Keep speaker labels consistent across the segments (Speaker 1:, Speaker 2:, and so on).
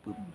Speaker 1: ปึ๊บ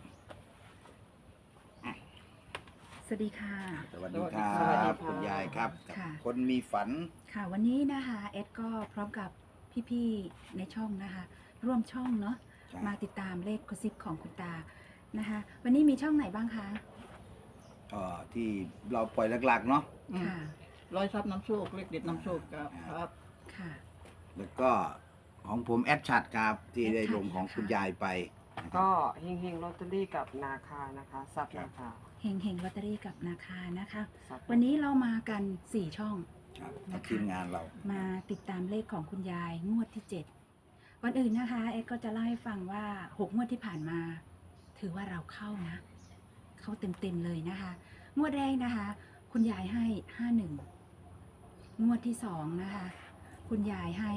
Speaker 2: สวัสดีค่ะ
Speaker 1: สวัสดีครั
Speaker 3: สวัสดี
Speaker 1: บ
Speaker 3: ค่ะ
Speaker 1: คุณยายครับ
Speaker 2: ค่ะ
Speaker 1: คนมีฝัน
Speaker 2: ค่ะวันนี้นะคะเอดก็พร้อมกับพี่ๆในช่องนะคะ ร่วมช่องเนาะ
Speaker 1: ใช่
Speaker 2: มาติดตามเลขกระซิบของคุณตานะคะ วันนี้มีช่องไหนบ้างคะ
Speaker 1: ที่เราปล่อยหลักๆเนาะ
Speaker 2: ค่ะ
Speaker 3: ร้อยทรัพย์น้ำโชคเลขเด็ดน้ำโชคครับ
Speaker 2: ค่ะ
Speaker 1: แล้วก็ของผมแอดชัดครับที่ได้ลงของ
Speaker 2: นะคะ
Speaker 1: คุณยายไปนะครับ
Speaker 4: ก็เฮงๆลอตเตอรี่กับนาคานะคะซับนาคา
Speaker 2: เฮงเฮงลอตเตอรี่กับนาคานะคะ
Speaker 4: ซับ
Speaker 2: วันนี้เรามากัน4ช่อง
Speaker 1: ครับ
Speaker 2: นะคะ
Speaker 1: ทีมงานเรา
Speaker 2: มาติดตามเลขของคุณยายงวดที่7วันอื่นนะคะเอ็ดก็จะเล่าให้ฟังว่า6งวดที่ผ่านมา ถือว่าเราเข้านะ เข้าเต็มๆเลยนะคะ งวดแรกนะคะ คุณยายให้51งวดที่2นะคะ คุณยายให้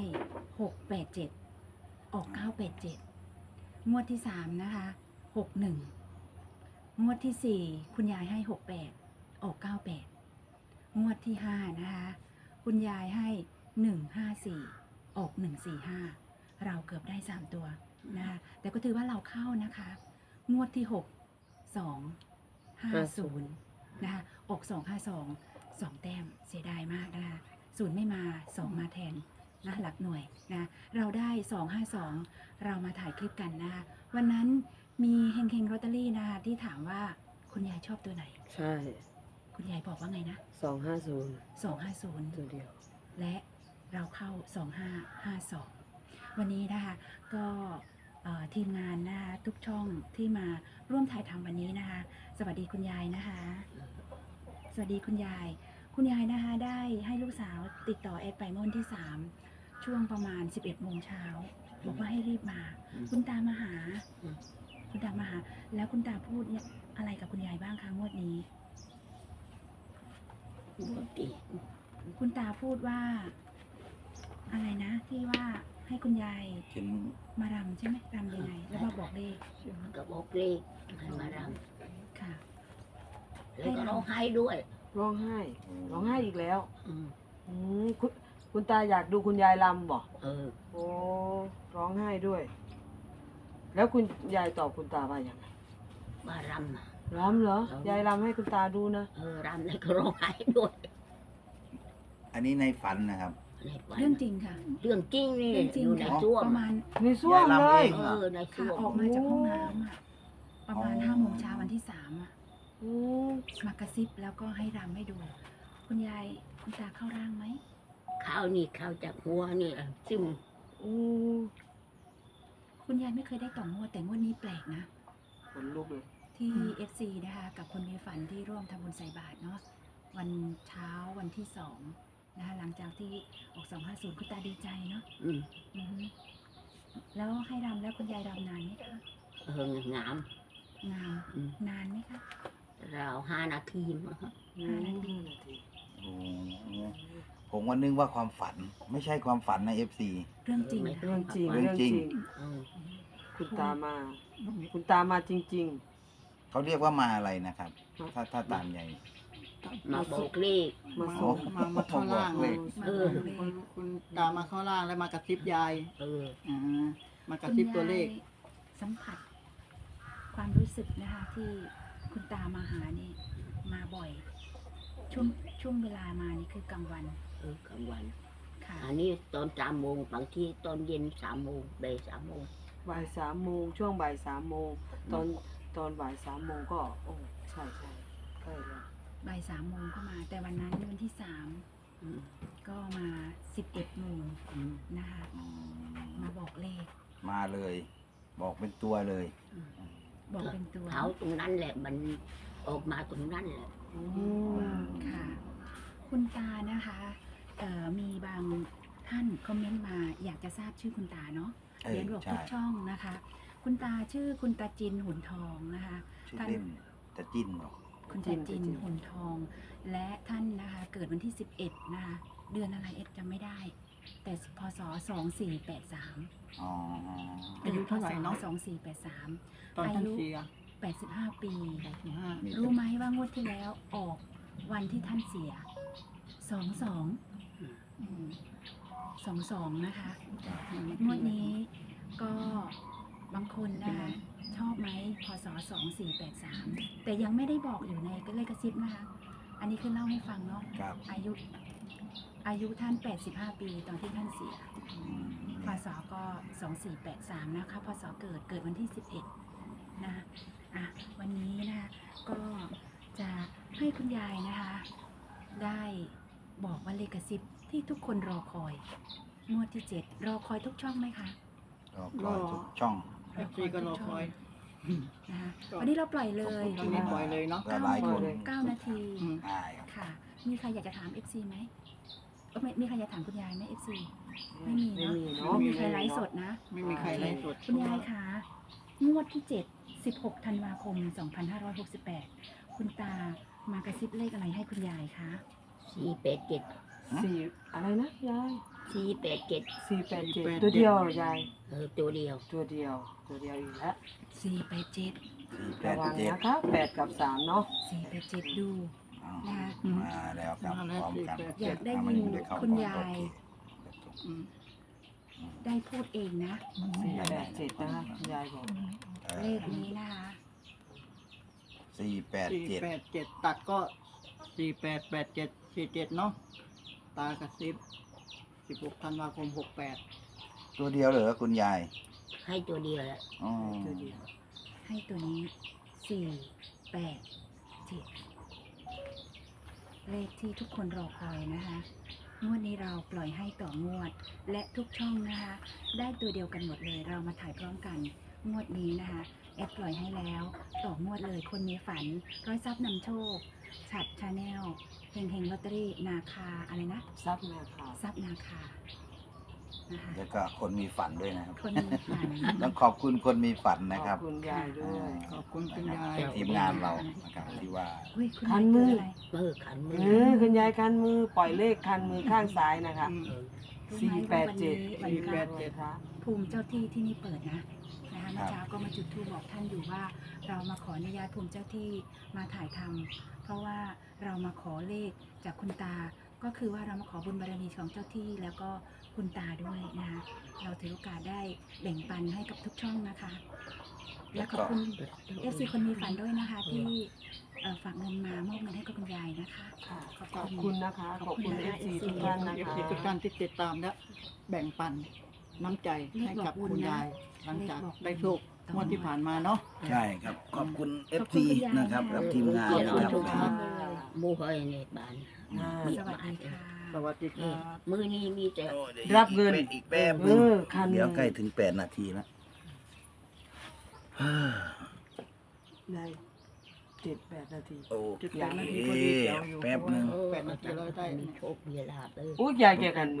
Speaker 2: 687ออก987งวดที่3นะคะ61งวดที่4คุณยายให้68ออก98งวดที่5นะคะคุณยายให้154ออก145เราเกือบได้3ตัวนะคะแต่ก็ถือว่าเราเข้านะคะงวดที่6 250นะคะออก252 2แต้มเสียดายมากนะคะศูนย์ไม่มา2มาแทนนะหลักหน่วยนะเราได้252เรามาถ่ายคลิปกันนะคะวันนั้นมีเฮงเฮงลอตเตอรี่นะคะที่ถามว่าคุณยายชอบตัวไหน
Speaker 4: ใช่
Speaker 2: คุณยายบอกว่าไงนะ
Speaker 4: 250
Speaker 2: 250
Speaker 4: ตัวเดียว
Speaker 2: และเราเข้า 2552 วันนี้นะคะก็ทีมงานนะคะทุกช่องที่มาร่วมถ่ายทำวันนี้นะคะ สวัสดีคุณยายนะคะ สวัสดีคุณยาย คุณยายนะคะได้ให้ลูกสาวติดต่อแอดไปเมื่อวันที่ 3 ช่วงประมาณ 11 โมงเช้าบอกว่าให้รีบมา คุณตามาหา คุณตามาหา แล้วคุณตาพูดเนี่ยอะไรกับคุณยายบ้างคะงวดนี้ คุณตาพูดว่า อะไรนะ ที่ว่าให้คุณยาย
Speaker 1: เห็น
Speaker 2: มารำใช่ไหมรำยังไง แล้วมาบอกเลข
Speaker 5: ก็บอกเลขให้มาร
Speaker 2: ค่ะ
Speaker 5: ำแล้วก็ร้องไห้ด้วย
Speaker 4: ร้องไห้ร้องไห้อีกแล้ว
Speaker 5: อืม
Speaker 4: คุณตาอยากดูคุณยายลำบ่
Speaker 5: เออ
Speaker 4: โอ้ร้องไห้ด้วย แล้วคุณยายตอบคุณตาว่าอย่างไร
Speaker 5: มารำน่ะ
Speaker 4: รำเหรอ
Speaker 5: รำ
Speaker 4: ยายลำให้คุณตาดูนะ
Speaker 5: รำแล้วก็ร้องไห้ด้วย
Speaker 1: อันนี้ในฝันนะครับ
Speaker 5: ในฝัน
Speaker 2: เรื่องจริงค่ะ
Speaker 5: เรื่องจริงนี่
Speaker 2: เรื่องจริง
Speaker 5: อยู่ใน
Speaker 2: ค่ะ
Speaker 5: ช่วง
Speaker 2: ประมาณ
Speaker 4: ในส้วมเลย
Speaker 1: ยายลำเอง
Speaker 5: ใน
Speaker 2: ค่ะ
Speaker 5: ช่วง
Speaker 2: ออกมาจากห้องน้ำอะประมาณ
Speaker 1: อ๋อ
Speaker 2: 5 โมงเช้าวันที่ 3อะ
Speaker 4: อืม
Speaker 2: มากระซิบแล้วก็ให้รำให้ดู คุณยายคุณตาเข้าร่างไหม
Speaker 5: ข้าวนี่ข้าวจากหัวนี่ซึม
Speaker 4: อืม
Speaker 2: คุณยายไม่เคยได้ต่องวดแต่งวดนี้แปลกนะ
Speaker 4: ขนลุกเลย
Speaker 2: ที่ FC นะคะกับคนมีฝันที่ร่วมทำบุญใส่บาตรเนาะวันเช้าวันที่2นะคะหลังจากที่ออก250คุณตาดีใจเนาะ
Speaker 5: อืม
Speaker 2: อือฮึแล้วให้รำแล้วคุณยายรำนานไหมคะ
Speaker 5: งาม
Speaker 2: นาน
Speaker 5: อืม
Speaker 2: นานไหมคะ
Speaker 5: เรา5 นาทีมั้งครับ
Speaker 2: 5 นาที
Speaker 4: 5 นาที
Speaker 1: โอ้ผมก็นึกว่าความฝัน ไม่ใช่ความฝันนะ FC
Speaker 2: เรื่องจริง
Speaker 4: เรื่องจริง
Speaker 1: เรื่องจริง
Speaker 5: อืม
Speaker 4: คุณตามา คุณตามาจริง
Speaker 1: เขาเรียกว่ามาอะไรนะครับ ถ้าตามใหญ่
Speaker 5: มาบอกเลข
Speaker 4: ๆ มาส่ง
Speaker 3: มาเข้าร่าง
Speaker 1: เลข
Speaker 2: มา
Speaker 5: เอ
Speaker 2: บอก
Speaker 5: อ
Speaker 2: เล
Speaker 3: คุณ
Speaker 2: ข
Speaker 3: คุณตามมาเข้าร่างแล้วมากระซิบยาย
Speaker 5: เออ
Speaker 3: มากระซิบตัวเลข
Speaker 2: คุณยายสัมผัส ความรู้สึกนะคะที่คุณตามาหานี่มาบ่อย ช่วงเวลามานี่คือกลางวัน
Speaker 5: กลางวัน
Speaker 2: ค่ะ
Speaker 5: อันนี้ตอน3 โมงบางทีตอนเย็น3 โมงบ่าย3 โมง
Speaker 4: บ่าย3 โมงช่วงบ่าย3 โมงตอนบ่าย3 โมงก็ โอ้ใช่ใช่ใกล้แล้ว
Speaker 2: บ่าย3 โมงก็มา แต่วันนั้นวันที่
Speaker 5: อืม
Speaker 2: 3 ก็มา 11 โมง
Speaker 5: อืม
Speaker 2: นะคะ มาบอกเลข
Speaker 1: มาเลย บอกเป็นตัวเลย
Speaker 2: บอกเป็นตัว
Speaker 5: เท้าตรงนั้นแหละมันออกมาตรงนั้นแหละ
Speaker 4: อืม
Speaker 2: ค่ะ คุณตานะคะมีบางท่านคอมเมนต์มาอยากจะทราบชื่อคุณตาเนาะ
Speaker 1: เออ
Speaker 2: เรียนบอก
Speaker 1: ใช่
Speaker 2: ทุกช่องนะคะ คุณตาชื่อคุณตาจินหุ่นทองนะคะ
Speaker 1: ชื่อเล่นจะจิ้นเหรอ
Speaker 2: คุณตาจินหุ่นทอง และท่านนะคะเกิดวันที่ 11 นะคะ เดือนอะไรเอ็ดจำไม่ได้ แต่พศ 2483
Speaker 1: อ๋อ
Speaker 3: อายุเท่าไหร่เนอะ
Speaker 2: 2483
Speaker 3: ตอนท่านเสีย
Speaker 2: 85 ปี
Speaker 1: มี
Speaker 2: รู้ไหมว่างวดที่แล้วออกวันที่ท่านเสีย 22 นะคะงวดนี้ก็บางคนนะคะชอบไหมพศ2483แต่ยังไม่ได้บอกอยู่ในเลขกระซิบนะคะ อันนี้คือเล่าให้ฟังเนาะ
Speaker 1: ครับ
Speaker 2: อายุท่าน85ปีตอนที่ท่านเสีย
Speaker 1: อืม
Speaker 2: พศก็2483นะคะพศเกิดวันที่11นะคะวันนี้นะคะก็จะให้คุณยายนะคะ ได้บอกว่าเลขกระซิบที่ทุกคนรอคอยงวดที่7รอคอยทุกช่องไหมคะ
Speaker 1: ก็ทุกช่อง
Speaker 3: เอฟซีก็รอคอย
Speaker 2: นะคะวันนี้เราปล่อยเลย
Speaker 3: ตอนนี้ปล่อยเลยเนาะ
Speaker 1: ก็หลายคน
Speaker 2: 9 นาที
Speaker 3: อืม
Speaker 1: ได้ครับ
Speaker 2: ค่ะ มีใครอยากจะถาม FC ไหมไม่มีใครอยากถามคุณยายไหม FC ไม่มี
Speaker 4: ไม่
Speaker 2: เนาะ
Speaker 4: มี
Speaker 2: ไม่
Speaker 4: เนาะ
Speaker 2: มีใครไลฟ์สดนะ
Speaker 3: ไม่มีใครไล่สด
Speaker 2: คุณยายคะงวดที่ 7 16 ธันวาคม 2568 คุณตามากระซิบเลขอะไรให้คุณยายคะ
Speaker 5: 487
Speaker 4: สี่อะไรนะยาย
Speaker 5: 487
Speaker 4: 487ตัวเดียวยาย
Speaker 5: ตัวเดียว
Speaker 4: ตัวเดียวอีกแล้ว
Speaker 2: 487
Speaker 4: ระวัง
Speaker 1: 487
Speaker 4: นะคะ8กับ3เนาะ
Speaker 2: 487 ดู
Speaker 1: อ้าว
Speaker 2: นะคะ
Speaker 1: มาแล้วครับ
Speaker 3: มาแล้ว
Speaker 1: พร้อมกัน
Speaker 3: 487
Speaker 2: อยากได้
Speaker 1: อ่ะ
Speaker 2: ยิน
Speaker 1: มันได้เข้
Speaker 2: คุณยาย
Speaker 3: อืม
Speaker 2: ได้พูดเองนะ
Speaker 4: 487นะคะยายบอก
Speaker 2: เลขนี้นะคะ
Speaker 1: 487
Speaker 3: ตัดก็488747เนาะตากระซิบ16 ธันวาคม 68
Speaker 1: ตัวเดียวเหรอคุณยาย
Speaker 5: ให้ตัวเดียวแหละ
Speaker 1: อ๋อ
Speaker 4: ตัวเดียว
Speaker 2: ให้ตัวนี้ 487 เลขที่ทุกคนรอคอยนะคะ งวดนี้เราปล่อยให้ต่องวด และทุกช่องนะคะ ได้ตัวเดียวกันหมดเลย เรามาถ่ายพร้อมกัน งวดนี้นะคะแอดปล่อยให้แล้ว ต่องวดเลยคนมีฝัน ร้อยทรัพย์นำโชค ฉัดชาแนลเฮงเฮงลอตเตอรี่นาคาอะไรนะ
Speaker 4: ซับนาคา
Speaker 2: ทรัพย์นาคานะคะ
Speaker 1: แล้วก็คนมีฝันด้วยนะครับ
Speaker 2: คนมีฝัน
Speaker 1: ต้องขอบคุณคนมีฝันนะครับ
Speaker 4: ขอบคุณยายด้วย
Speaker 3: ขอบคุณคุณยาย
Speaker 1: ทีมงานเรานะครับที่ว่า
Speaker 2: เฮ้ยคุณ
Speaker 4: คั
Speaker 2: ยาย
Speaker 4: นมื
Speaker 2: เกิด
Speaker 4: อ
Speaker 2: อะไร
Speaker 5: ขันมือ
Speaker 4: คุณยายคันมือปล่อยเลขคันมือข้างซ้ายนะคะ
Speaker 3: อืม
Speaker 2: รู้ไหมว่าวันนี้วันพระ
Speaker 3: 487
Speaker 4: ค่ะ
Speaker 2: ภูมิเจ้าที่ที่นี่เปิดนะนะคะเมื่อเช้าก็มาจุดธูปบอกท่านอยู่ว่า เรามาขออนุญาตภูมิเจ้าที่มาถ่ายทำเพราะว่าเรามาขอเลขจากคุณตา ก็คือว่าเรามาขอบุญบารมีของเจ้าที่แล้วก็คุณตาด้วยนะคะเราถือโอกาสได้แบ่งปันให้กับทุกช่องนะคะ และขอบคุณ FC คนมีฝันด้วยนะคะ ที่ฝากเงินมามอบเงินให้กับคุณยายนะคะ
Speaker 4: ค่ะ
Speaker 2: ขอบ
Speaker 4: ขอบ
Speaker 2: คุ
Speaker 4: คุณ ณนะคะ ขอบคุณ FC ทุกท่านนะ
Speaker 3: เอฟ
Speaker 4: คะ
Speaker 3: ซีทุกท่านที่ติดตามและแบ่งปันน้ำใจให้กับคุณยาย หลังจากได้โชคงวดที่ผ่านมาเนาะ
Speaker 1: ใช่ครับ ขอบคุณ
Speaker 2: ขอบ
Speaker 1: FT
Speaker 2: คุณคุณยาย
Speaker 1: นะครับ
Speaker 2: นะคะ
Speaker 1: กับทีมงาน
Speaker 5: ขอบ
Speaker 1: นะ
Speaker 5: คุณ
Speaker 1: ครับ
Speaker 5: ทุกท่าน
Speaker 2: เลย
Speaker 5: หมู่เฮยในบ้าน
Speaker 4: อ่า
Speaker 2: สวัสดีค่ะ
Speaker 3: สวัสดีค
Speaker 5: นี่
Speaker 3: รับ
Speaker 5: มือนี้มีแต่
Speaker 1: โอ้ดี๋ยว
Speaker 4: รับเงิน
Speaker 1: อีกแป๊บ
Speaker 4: เอ
Speaker 1: นึง
Speaker 4: อคัน
Speaker 1: เดี๋ยวใกล้ถึง8 นาทีแล้ว
Speaker 4: ใน7-8 นาที
Speaker 1: โอ
Speaker 3: จุด
Speaker 1: เค
Speaker 3: 8 นาทีพอดีเดี๋ยวอยู่
Speaker 1: แป๊บนึง
Speaker 5: เออ
Speaker 3: 8 นาทีเราได้
Speaker 5: มีโชคมีลาภเลย
Speaker 4: อุ้ยยายแกกันมื